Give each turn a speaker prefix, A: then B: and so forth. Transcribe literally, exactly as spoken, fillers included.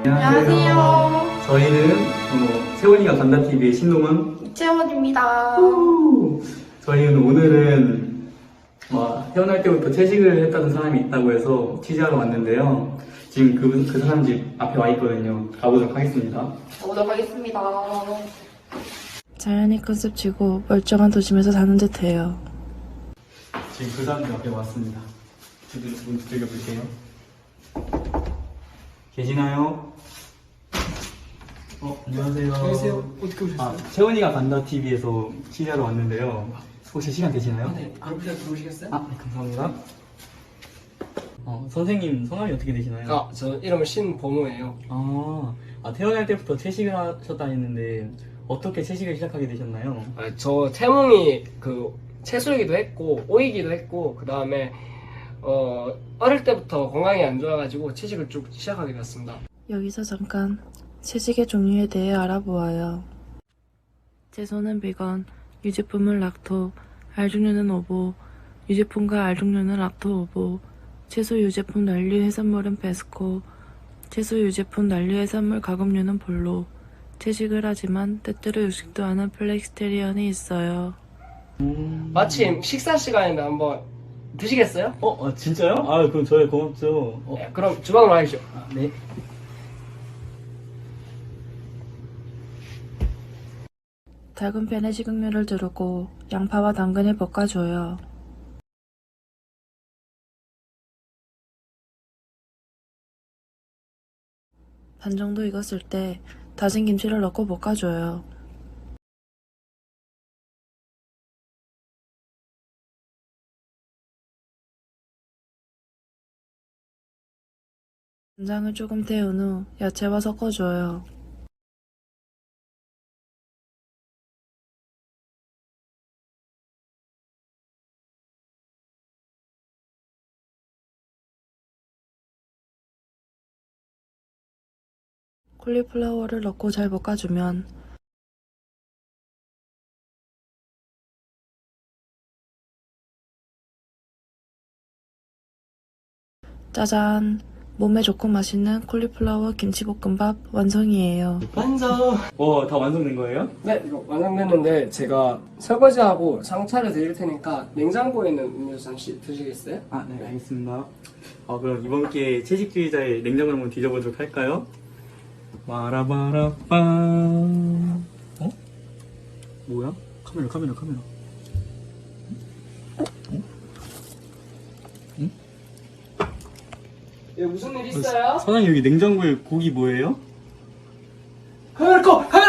A: 안녕하세요.
B: 저희는 어, 채원이가 간다티비의 신동원.
A: 이채원입니다.
B: 저희는 오늘은 어, 태어날 때부터 채식을 했다는 사람이 있다고 해서 취재하러 왔는데요. 지금 그, 그 사람 집 앞에 와 있거든요. 가보도록 하겠습니다.
A: 가보도록 하겠습니다.
C: 자연이 컨셉 치고 멀쩡한 도심에서 사는 듯해요.
B: 지금 그 사람 집 앞에 왔습니다. 문 두들겨 볼게요. 계시나요? 어, 안녕하세요.
D: 안녕하세요. 어떻게 오셨어요?
B: 아, 채원이가 간다티비에서 취재하러 왔는데요. 혹시 시간 되시나요?
D: 아, 네. 그럼 그냥 들어오시겠어요?
B: 아, 네, 감사합니다. 어, 선생님 성함이 어떻게 되시나요?
D: 아, 저 이름은 신범우예요.
B: 아, 아, 태어날 때부터 채식을 하셨다 했는데 어떻게 채식을 시작하게 되셨나요?
D: 아, 저 태몽이 그 채소이기도 했고 오이기도 했고 그 다음에 어 어릴 때부터 건강이 안 좋아가지고 채식을 쭉 시작하게 되었습니다.
C: 여기서 잠깐 채식의 종류에 대해 알아보아요. 채소는 비건, 유제품은 락토, 알종류는 오보, 유제품과 알종류는 락토 오보, 채소 유제품 난류 해산물은 베스코, 채소 유제품 난류 해산물 가공류는 볼로, 채식을 하지만 때때로 육식도 하는 플렉스테리언이 있어요.
B: 음...
D: 마침 식사 시간인데 한번 드시겠어요?
B: 어, 아, 진짜요? 아, 그럼 저희 고맙죠. 어,
D: 네, 그럼 주방으로 가시죠.
B: 아, 네.
C: 작은 팬에 식용유를 두르고 양파와 당근을 볶아줘요. 반 정도 익었을 때 다진 김치를 넣고 볶아줘요. 간장을 조금 데운 후 야채와 섞어줘요. 콜리플라워를 넣고 잘 볶아주면 짜잔! 몸에 좋고 맛있는 콜리플라워 김치볶음밥 완성이에요.
D: 완성!
B: 어, 다 완성된 거예요?
D: 네, 이거 완성됐는데 제가 설거지하고 상차를 드릴 테니까 냉장고에 있는 음료수 잠시 드시겠어요?
B: 아, 네, 알겠습니다. 어, 그럼 이번 기회에 채식주의자의 냉장고를 한번 뒤져보도록 할까요? 와라바라빠. 어? 뭐야? 카메라, 카메라, 카메라.
D: 예, 무슨 일 있어요?
B: 사장님, 여기 냉장고에 고기 뭐예요?
D: 카메라 꺼! 카메라